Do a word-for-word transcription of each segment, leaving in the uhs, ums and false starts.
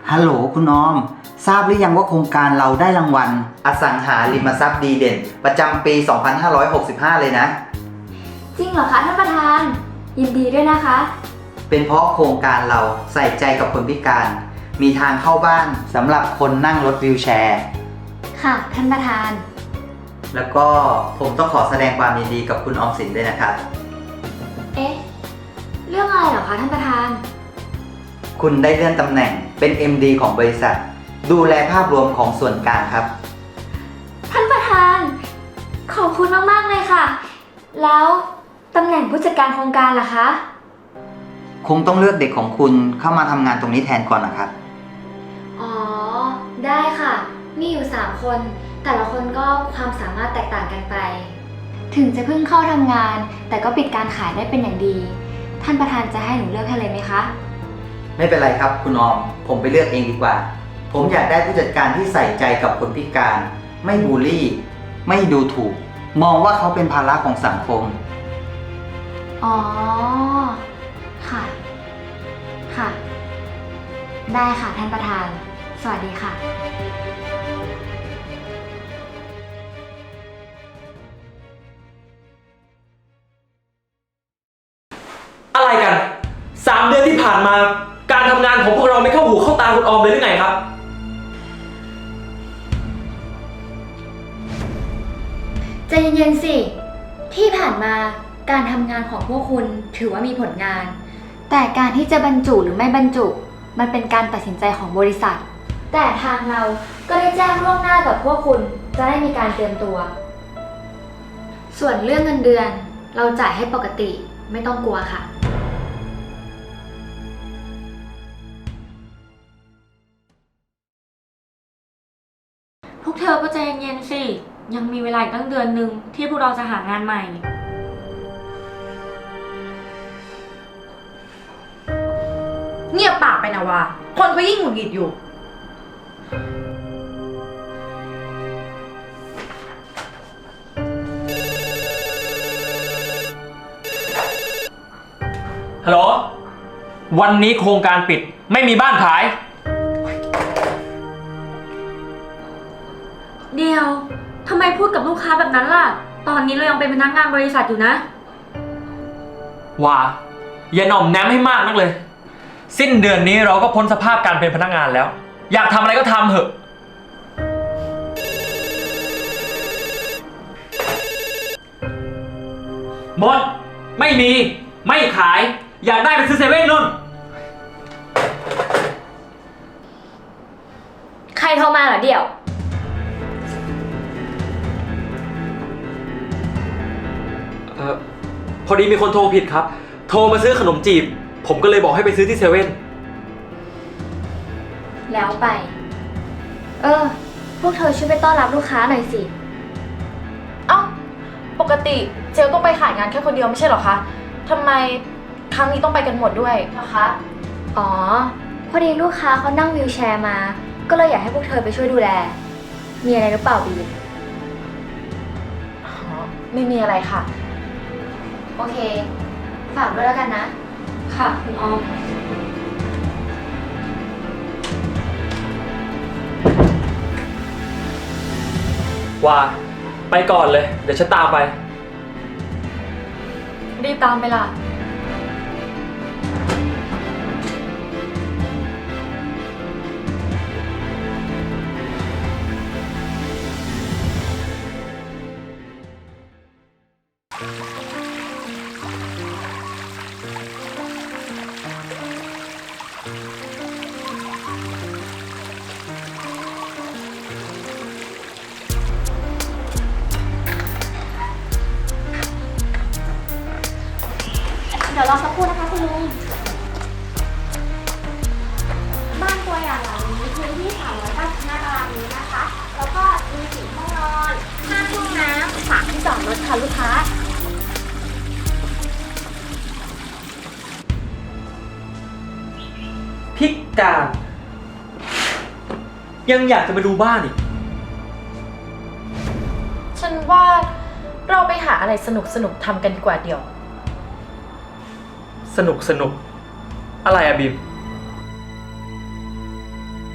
ฮัลโหลคุณออมทราบหรือยังว่าโครงการเราได้รางวัลอสังหาริมทรัพย์ดีเด่นประจำปี สองพันห้าร้อยหกสิบห้า เลยนะจริงเหรอคะท่านประธานยินดีด้วยนะคะเป็นเพราะโครงการเราใส่ใจกับคนพิการมีทางเข้าบ้านสำหรับคนนั่งรถวีลแชร์ค่ะท่านประธานแล้วก็ผมต้องขอแสดงความยินดีกับคุณออมสินด้วยนะครับเอ๊ะเรื่องอะไรเหรอคะท่านประธานคุณได้เลื่อนตำแหน่งเป็น เอ็ม ดี ของบริษัทดูแลภาพรวมของส่วนกลางครับท่านประธานขอบคุณมากๆเลยค่ะแล้วตำแหน่งผู้จัดการโครงการล่ะคะคงต้องเลือกเด็กของคุณเข้ามาทำงานตรงนี้แทนก่อนนะครับอ๋อได้ค่ะมีอยู่สามคนแต่ละคนก็ความสามารถแตกต่างกันไปถึงจะเพิ่งเข้าทำงานแต่ก็ปิดการขายได้เป็นอย่างดีท่านประธานจะให้หนูเลือกให้เลยไหมคะไม่เป็นไรครับคุณออมผมไปเลือกเองดีกว่าผมอยากได้ผู้จัดการที่ใส่ใจกับคนพิการไม่บูลลี่ไม่ดูถูกมองว่าเขาเป็นภาระของสังคมอ๋อค่ะค่ะได้ค่ะท่านประธานสวัสดีค่ะอะไรกันสามเดือนที่ผ่านมาการทำงานของพวกเราไม่เข้าหูเข้าตาคุณออมเลยหรือไงครับใจเย็นๆสิที่ผ่านมาการทำงานของพวกคุณถือว่ามีผลงานแต่การที่จะบรรจุหรือไม่บรรจุมันเป็นการตัดสินใจของบริษัทแต่ทางเราก็ได้แจ้งล่วงหน้ากับพวกคุณจะได้มีการเตรียมตัวส่วนเรื่องเงินเดือนเราจ่ายให้ปกติไม่ต้องกลัวค่ะพวกเธอก็ใจเย็นๆสิยังมีเวลาอีกตั้งเดือนหนึ่งที่พวกเราจะหางานใหม่เงียบปากไปนะวะคนเขายิ่งหงุดหงิดอยู่ฮัลโหลวันนี้โครงการปิดไม่มีบ้านขายเดียวทำไมพูดกับลูกค้าแบบนั้นล่ะตอนนี้เรายังเป็นพนักงานบริษัทอยู่นะว่าอย่าหน่อมแนมให้มากนักเลยสิ้นเดือนนี้เราก็พ้นสภาพการเป็นพนักงานแล้วอยากทำอะไรก็ทำเถอะหมดไม่มีไม่ขายอยากได้ไปซื้อเซเว่นนู่นใครโทรมาเหรอเดี่ยวเออพอดีมีคนโทรผิดครับโทรมาซื้อขนมจีบผมก็เลยบอกให้ไปซื้อที่เซเว่นแล้วไปเออพวกเธอช่วยไปต้อนรับลูกค้าหน่อยสิเอ้าปกติเจลต้องไปขายงานแค่คนเดียวไม่ใช่เหรอคะทำไมครั้งนี้ต้องไปกันหมดด้วยนะคะอ๋อพอดีลูกค้าเขานั่งวีลแชร์มาก็เลยอยากให้พวกเธอไปช่วยดูแลมีอะไรหรือเปล่าบีมอ๋อไม่มีอะไรค่ะโอเคฝากด้วยแล้วกันนะค่ะคุณออมว่าไปก่อนเลยเดี๋ยวฉันตามไปรีบตามไปล่ะเดี๋ยวรอสักครู่นะคะคุณลุงบ้านตัวอย่างหลังนี้พื้นที่สามร้อยเก้าสิบห้าตารางเมตรนะคะแล้วก็มีสี่ห้องนอนห้าห้องน้ำสามที่จอดรถค่ะลูกค้าพิการยังอยากจะมาดูบ้านอีกฉันว่าเราไปหาอะไรสนุกสนุกทำกันดีกว่าเดี๋ยวสนุกสนุกอะไรอะบีม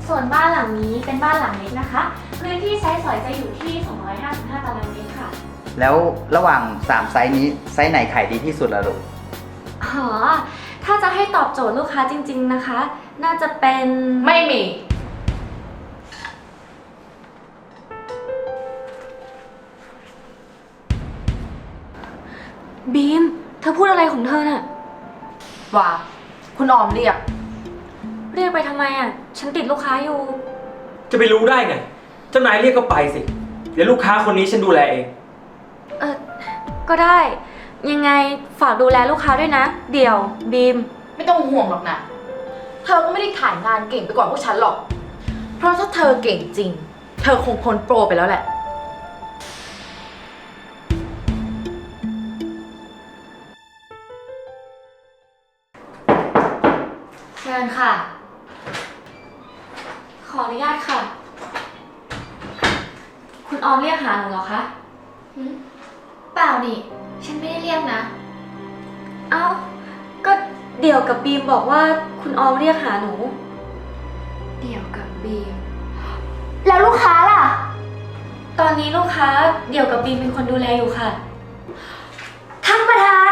ส่วนบ้านหลังนี้เป็นบ้านหลังเล็กนะคะพื้นที่ใช้สอยจะอยู่ที่ สองร้อยห้าสิบห้า ตารางเมตรค่ะแล้วระหว่างสามไซส์นี้ไซส์ไหนขายดีที่สุดล่ะลูกอ๋อ ถ้าจะให้ตอบโจทย์ลูกค้าจริงๆนะคะ น่าจะเป็นไม่มีบีม เธอพูดอะไรของเธอน่ะว่า คุณออมเรียกเรียกไปทำไมอ่ะ ฉันติดลูกค้าอยู่จะไปรู้ได้ไง เจ้านายเรียกก็ไปสิ เดี๋ยวลูกค้าคนนี้ฉันดูแลเองเออ ก็ได้ ยังไงฝากดูแลลูกค้าด้วยนะ เดี๋ยว บีมไม่ต้องห่วงหรอกนะ เธอก็ไม่ได้ขายงานเก่งไปกว่าพวกฉันหรอก เพราะถ้าเธอเก่งจริง เธอคงพ้นโปรไปแล้วแหละเชิญค่ะขออนุญาตค่ะ คุณออมเรียกหาหนูเหรอคะหืมเปล่านี่ ฉันไม่ได้เรียกนะเอ้า ก็เดี่ยวกับบีมบอกว่าคุณออมเรียกหาหนูเดี่ยวกับบีม แล้วลูกค้าล่ะตอนนี้ลูกค้าเดี่ยวกับบีมเป็นคนดูแลอยู่ค่ะท่านประธาน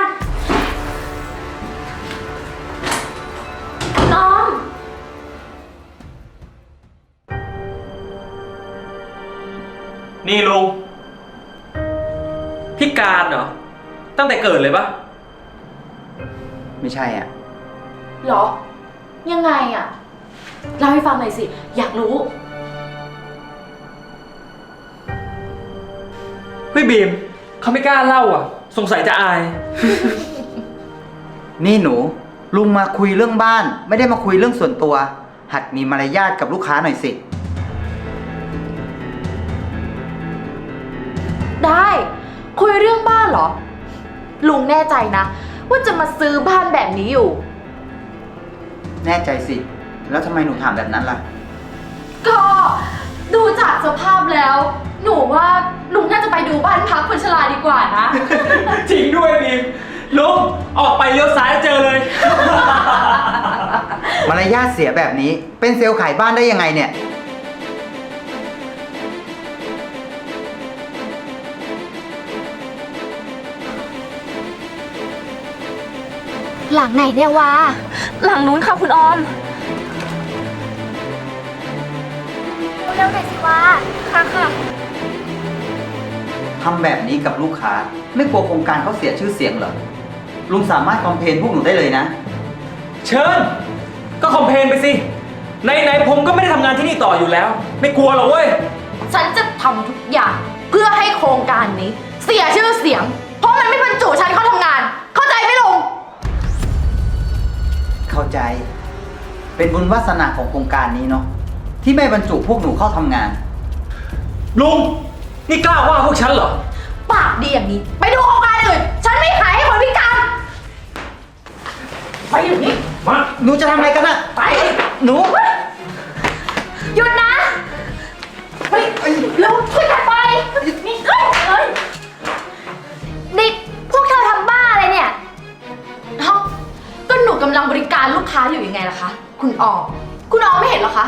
คุณออมนี่ลุงพิการเหรอ ตั้งแต่เกิดเลยปะไม่ใช่อ่ะเหรอ ยังไงอะเล่าให้ฟังหน่อยสิ อยากรู้เฮ้ยบีมเขาไม่กล้าเล่าอ่ะ สงสัยจะอายนี่หนู ลุงมาคุยเรื่องบ้าน ไม่ได้มาคุยเรื่องส่วนตัว หัดมีมารยาทกับลูกค้าหน่อยสิได้ คุยเรื่องบ้านเหรอ ลุงแน่ใจนะ ว่าจะมาซื้อบ้านแบบนี้อยู่แน่ใจสิ แล้วทำไมหนูถามแบบนั้นล่ะก็ดูจากสภาพแล้ว หนูว่าลุงน่าจะไปดูบ้านพักคนชราดีกว่านะจริงด้วยบีมลุงออกไปเลี้ยวซ้ายเจอเลยมารยาทเสียแบบนี้ เป็นเซลล์ขายบ้านได้ยังไงเนี่ยหลังไหนเนี่ยวะหลังนู้นค่ะคุณออมเร็วๆหน่อยสิวะค่ะค่ะทำแบบนี้กับลูกค้า ไม่กลัวโครงการเขาเสียชื่อเสียงเหรอ ลุงสามารถคอมเพลนพวกหนูได้เลยนะเชิญ ก็คอมเพลนไปสิไหนๆผมก็ไม่ได้ทำงานที่นี่ต่ออยู่แล้ว ไม่กลัวหรอกเว้ยฉันจะทำทุกอย่างเพื่อให้โครงการนี้ เสียชื่อเสียง เพราะมันไม่บรรจุฉันเข้าทำงาน เข้าใจไหมลุงเข้าใจ เป็นบุญวาสนาของโครงการนี้เนาะ ที่ไม่บรรจุพวกหนูเข้าทำงานลุง นี่กล้าว่าพวกฉันเหรอปากดีอย่างนี้ ไปดูโครงการอื่น ฉันไม่ขายให้คนพิการ ไปอยู่นี่มาหนูจะทำอะไรกันอะไปหนูหยุดนะเฮ้ยเร็วช่วยกันไป นี่เฮ้ยเฮ้ยนี่พวกเธอทำบ้าอะไรเนี่ยเอ้าก็หนูกำลังบริการลูกค้าอยู่ยังไงล่ะคะ คุณออม คุณออมไม่เห็นเหรอคะ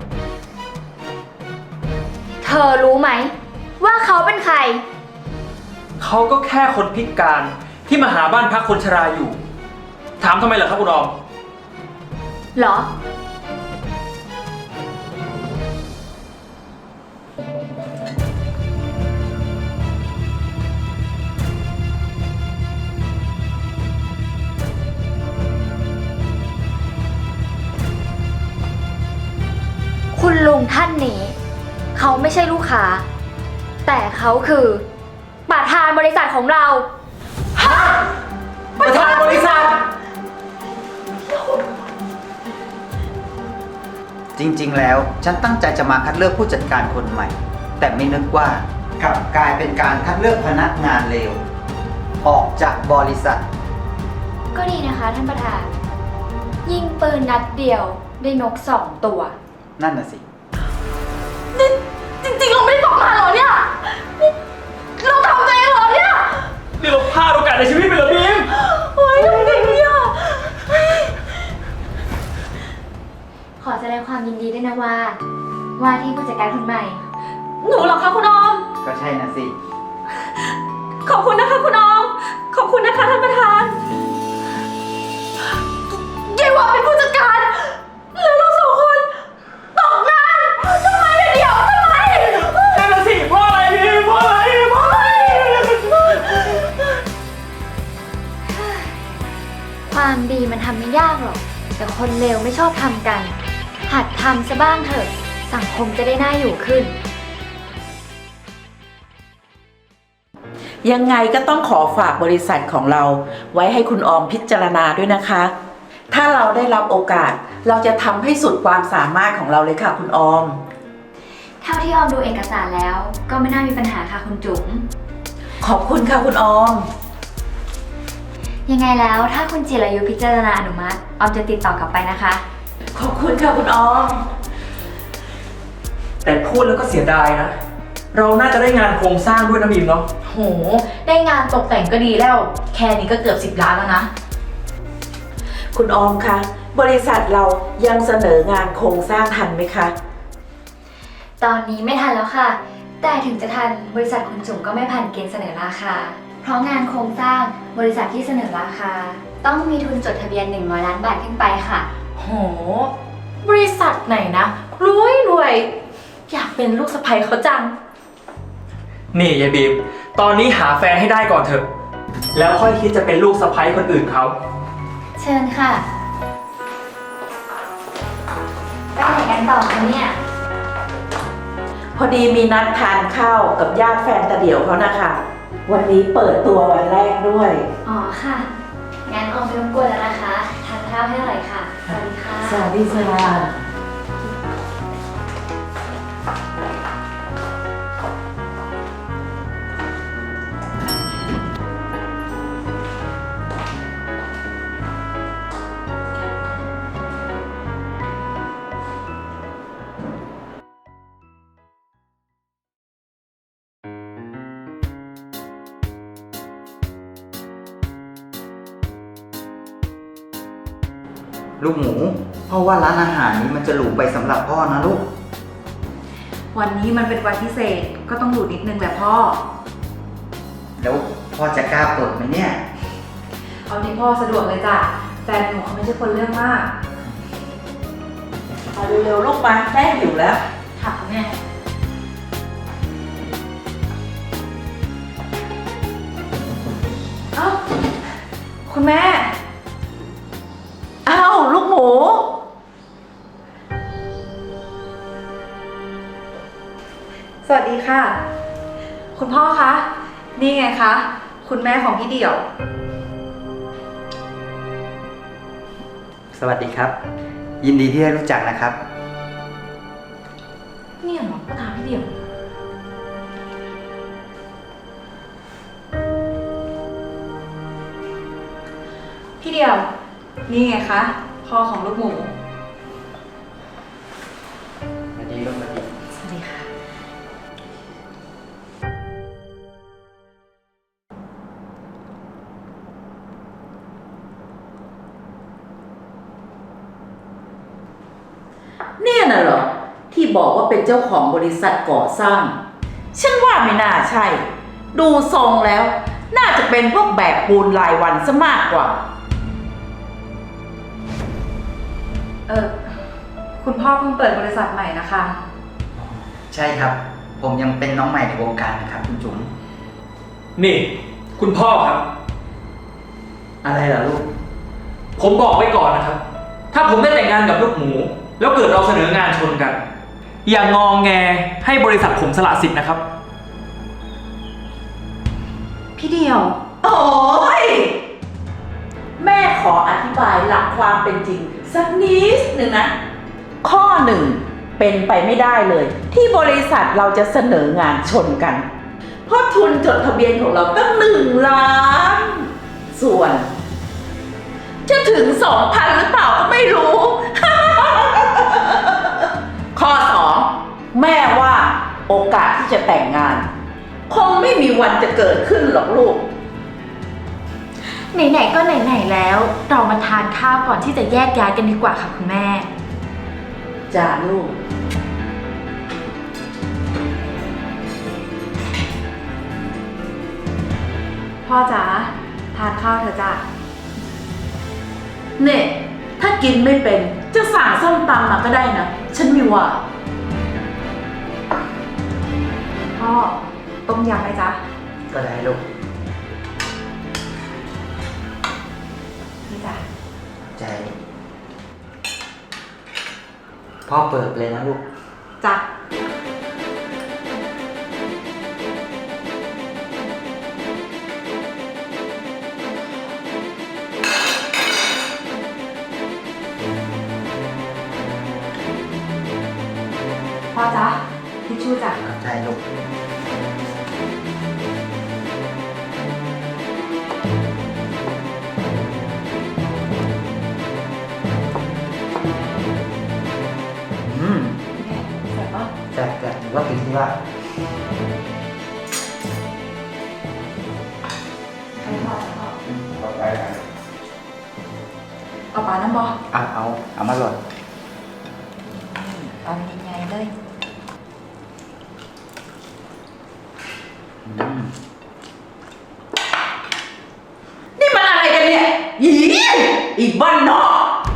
เธอรู้ไหม ว่าเขาเป็นใครเขาก็แค่คนพิการที่มาหาบ้านพักคนชราอยู่ ถามทำไมเหรอครับคุณออมเหรอ คุณลุงท่านนี้ เขาไม่ใช่ลูกค้า แต่เขาคือประธานบริษัทของเราประธานบริษัทจริงๆ แล้วฉันตั้งใจจะมาคัดเลือกผู้จัดการคนใหม่ แต่ไม่นึกว่ากลับกลายเป็นการคัดเลือกพนักงานเลวออกจากบริษัทก็ดีนะคะท่านประธาน ยิงปืนนัดเดียวได้นกสองตัวนั่นน่ะสินี่จริงๆ เราไม่ได้ตกงานเหรอเนี่ยนี่เราทำตัวเองเหรอเนี่ยนี่เราพลาดโอกาสในชีวิตไปเหรอบีมเฮ้ยทำไงเนี่ยขอแสดงความยินดีด้วยนะว่า ว่าที่ผู้จัดการคนใหม่หนูเหรอคะคุณออมก็ใช่นะสิขอบคุณนะคะคุณออม ขอบคุณนะคะท่านประธานยายหวาเป็นผู้จัดการ แล้วเราสองคนตกงานทำไมเนี่ยเดี๋ยวทำไมนั่นน่ะสิเพราะอะไรพี่เพราะอะไรเพราะอะไรความดีมันทำไม่ยากหรอก แต่คนเลวไม่ชอบทำกัน หัดทำซะบ้างเถอะ สังคมจะได้น่าอยู่ขึ้นยังไงก็ต้องขอฝากบริษัทของเราไว้ให้คุณออมพิจารณาด้วยนะคะ ถ้าเราได้รับโอกาสเราจะทำให้สุดความสามารถของเราเลยค่ะคุณออมเท่าที่ออมดูเอกสารแล้ว ก็ไม่น่ามีปัญหาค่ะคุณจุ๋มขอบคุณค่ะคุณออมยังไงแล้วถ้าคุณจิรายุพิจารณาอนุมัติ ออมจะติดต่อกลับไปนะคะขอบคุณค่ะคุณออมแต่พูดแล้วก็เสียดายนะ เราน่าจะได้งานโครงสร้างด้วยนะบีมเนาะโห ได้งานตกแต่งก็ดีแล้ว แค่นี้ก็เกือบสิบล้านแล้วนะคุณออมคะบริษัทเรายังเสนองานโครงสร้างทันไหมคะตอนนี้ไม่ทันแล้วค่ะ แต่ถึงจะทันบริษัทคุณจุ๋มก็ไม่ผ่านเกณฑ์เสนอราคา เพราะงานโครงสร้างบริษัทที่เสนอราคา ต้องมีทุนจดทะเบียนหนึ่งร้อยล้านบาทขึ้นไปค่ะโห บริษัทไหนนะ รวยรวย อยากเป็นลูกสะใภ้เขาจังนี่ยายบีม ตอนนี้หาแฟนให้ได้ก่อนเถอะ แล้วค่อยคิดจะเป็นลูกสะใภ้คนอื่นเขาเชิญค่ะ ไปไหนกันต่อคะเนี่ยพอดีมีนัดทานข้าวกับญาติแฟนตาเดี่ยวเขานะคะ วันนี้เปิดตัววันแรกด้วยอ๋อค่ะ งั้นออมไม่รบกวนแล้วนะคะ ทานข้าวให้อร่อยค่ะ สวัสดีค่ะสวัสดีค่ะลูกหมูพ่อว่าร้านอาหารนี้มันจะหรูไปสำหรับพ่อนะลูกวันนี้มันเป็นวันพิเศษ ก็ต้องดูนิดนึงแหละพ่อแล้วพ่อจะกล้าเปิดไหมเนี่ยเอาที่พ่อสะดวกเลยจ้ะ แฟนหนูเขาไม่ใช่คนเรื่องมากมาเร็วๆลูกมาแม่หิวแล้วค่ะแม่ เอ้า คุณแม่อ้าวลูกหมูสวัสดีค่ะ คุณพ่อคะ นี่ไงคะ คุณแม่ของพี่เดี่ยวสวัสดีครับ ยินดีที่ได้รู้จักนะครับเนี่ยเหรอก็ถามพี่เดี่ยว พี่เดี่ยว นี่ไงคะ พ่อของลูกหมูสวัสดีลูกสวัสดีสวัสดีค่ะเนี่ยน่ะเหรอ ที่บอกว่าเป็นเจ้าของบริษัทก่อสร้าง ฉันว่าไม่น่าใช่ ดูทรงแล้ว น่าจะเป็นพวกแบกปูนรายวันซะมากกว่าเออ คุณพ่อเพิ่งเปิดบริษัทใหม่นะคะใช่ครับ ผมยังเป็นน้องใหม่ในวงการนะครับคุณจุ๋มนี่ คุณพ่อครับอะไรล่ะลูกผมบอกไว้ก่อนนะครับ ถ้าผมได้แต่งงานกับลูกหมู แล้วเกิดเราเสนองานชนกัน อย่างงองแงให้บริษัทผมสละสิทธิ์นะครับพี่เดี่ยวโอ้ย แม่ขออธิบายหลักความเป็นจริง สักนิดหนึ่งนะ ข้อหนึ่งเป็นไปไม่ได้เลย ที่บริษัทเราจะเสนองานชนกัน เพราะทุนจดทะเบียนของเราตั้งหนึ่งล้าน ส่วน จะถึงสองพันหรือเปล่าก็ไม่รู้ ข้อสองแม่ว่าโอกาสที่จะแต่งงาน คงไม่มีวันจะเกิดขึ้นหรอกลูกไหนๆก็ไหนๆแล้ว เรามาทานข้าวก่อนที่จะแยกย้ายกันดีกว่าค่ะคุณแม่จ้าลูกพ่อจ๋าทานข้าวเถอะจ้ะเนี่ย ถ้ากินไม่เป็น จะสั่งส้มตำมาก็ได้นะ ฉันไมีว่าพ่อต้มยำไหมจ๊ะก็ได้ลูกนี่จ้ะใจ พ่อเปิดเลยนะลูกจ้ะ พ่อจ๊ะทิชชู่จ้ะใจลูก อืมเสร็จปะแต่แต่หนูว่าผิดที่ว่าให้พ่อจ้ะพ่อเอาไปเอาปลาน้ำบอเอาเอาเอามาหล่นตอนใหญ่ๆเลยอืมนี่มันอะไรกันเนี่ยอีอีบ้านนอก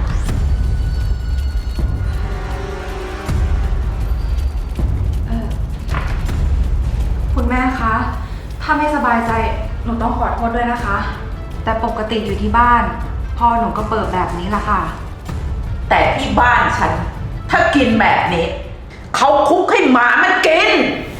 เออคุณแม่คะ ถ้าไม่สบายใจ หนูต้องขอโทษด้วยนะคะ แต่ปกติอยู่ที่บ้าน พ่อหนูก็เปิดแบบนี้ละค่ะแต่ที่บ้านฉัน ถ้ากินแบบนี้ เขาคุกให้หมามันกิน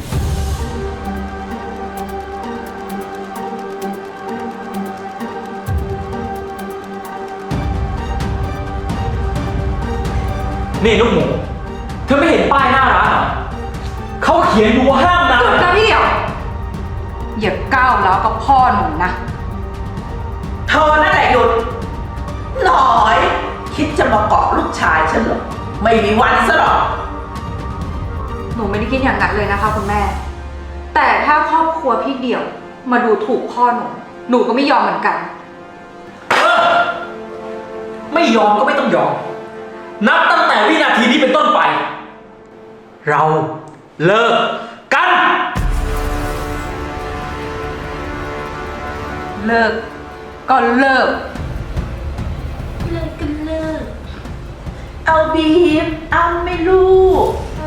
นี่ลูกหมู เธอไม่เห็นป้ายหน้าร้านเหรอเขาเขียนอยู่ว่าห้ามนะหยุดนะพี่เดี่ยว อย่าก้าวแล้วกับพ่อหนูนะเธอนั่นแหละหยุด หน่อย คิดจะมาเกาะลูกชายฉันเหรอ ไม่มีวันซะหรอกหนูไม่ได้คิดอย่างนั้นเลยนะคะคุณแม่ แต่ถ้าครอบครัวพี่เดี่ยว มาดูถูกพ่อหนู หนูก็ไม่ยอมเหมือนกันเออไม่ยอมก็ไม่ต้องยอม นับตั้งแต่วินาทีนี้เป็นต้นไป เราเลิกกันเลิก ก็เลิกเลิกกันเลิกเอาบีม เอาไม่ลูก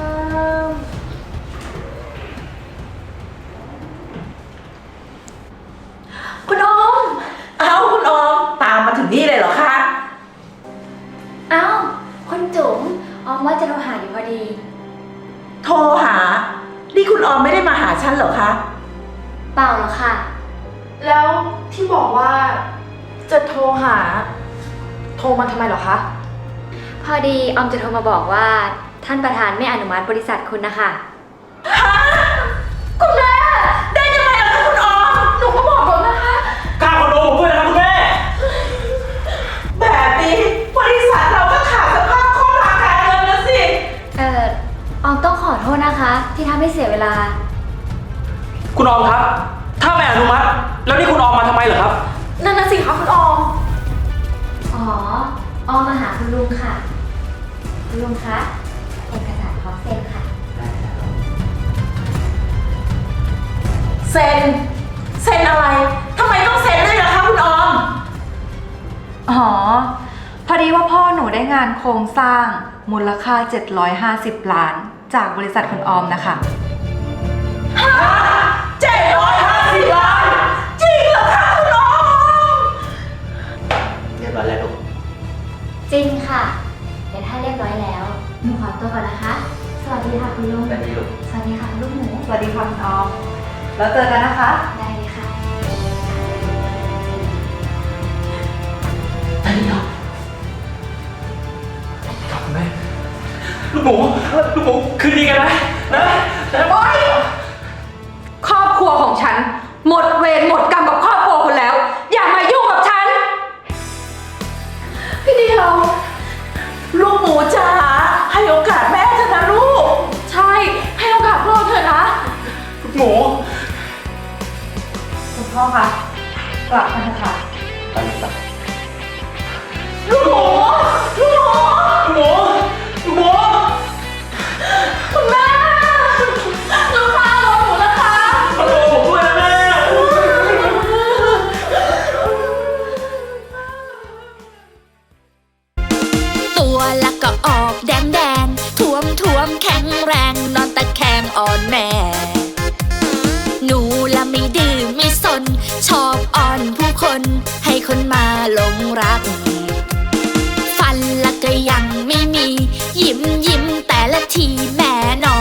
คุณอมเอาคุณออม ตามมาถึงนี่เลยเหรอคะเอ้าคุณจุ๋มออมว่าจะโทรหาอยู่พอดีโทรหา นี่คุณออมไม่ได้มาหาฉันเหรอคะเปล่าหรอกค่ะแล้วที่บอกว่าจะโทรหา โทรมาทำไมเหรอคะพอดีออมจะโทรมาบอกว่าท่านประธานไม่อนุมัติบริษัทคุณนะคะคุณแม่ ได้ยังไงล่ะคะคุณออมหนูก็บอกแล้วนะคะกล้าคอนโดผมด้วยนะครับคุณแม่แบบนี้บริษัทเราก็ขาดสภาพคล่องทางการเงินแล้วสิเอ่อออมต้องขอโทษนะคะ ที่ทำให้เสียเวลาคุณออมครับ ถ้าไม่อนุมัติ แล้วนี่คุณออมมาทำไมเหรอครับนั่นน่ะสิคะคุณออมอ๋อ ออมมาหาคุณลุงค่ะ คุณลุงคะ เอกสารพร้อมเซ็นค่ะเซ็น เซ็นอะไร ทำไมต้องเซ็นด้วยล่ะคะคุณออมอ๋อ พอดีว่าพ่อหนูได้งานโครงสร้างมูลค่า เจ็ดร้อยห้าสิบ ล้าน จากบริษัทคุณออมนะคะเจ็ดร้อยห้าสิบล้าน จริงเหรอคะคุณออมเรียบร้อยแล้วลูกจริงค่ะ เดี๋ยวถ้าเรียบร้อยแล้วหนูขอตัวก่อนนะคะ สวัสดีค่ะคุณลุงสวัสดีลูกสวัสดีค่ะคุณลูกหมูสวัสดีค่ะคุณออม แล้วเจอกันนะคะได้เลยค่ะครับคุณแม่ ลูกหมู ลูกหมู คืนดีกันนะ นะนะโอ๊ย ครอบครัวของฉัน หมดเวรหมดกรรมกับครอบครัวคุณแล้ว อย่ามายุ่งกับฉัน พี่เดียวลูกหมูจ๋าให้โอกาสแม่เถอะนะลูกใช่ ให้โอกาสพ่อเถอะนะลูกหมูคุณพ่อคะกลับมาเถอะค่ะไปลูกไปลูกหมู ลูกหมูลูกหมู ลูกหมูอ่อนแม่หนูละไม่ดื้อไม่สนชอบอ่อนผู้คนให้คนมาหลงรักฟันละก็ยังไม่มียิ้มยิ้มแต่ละทีแม่นอ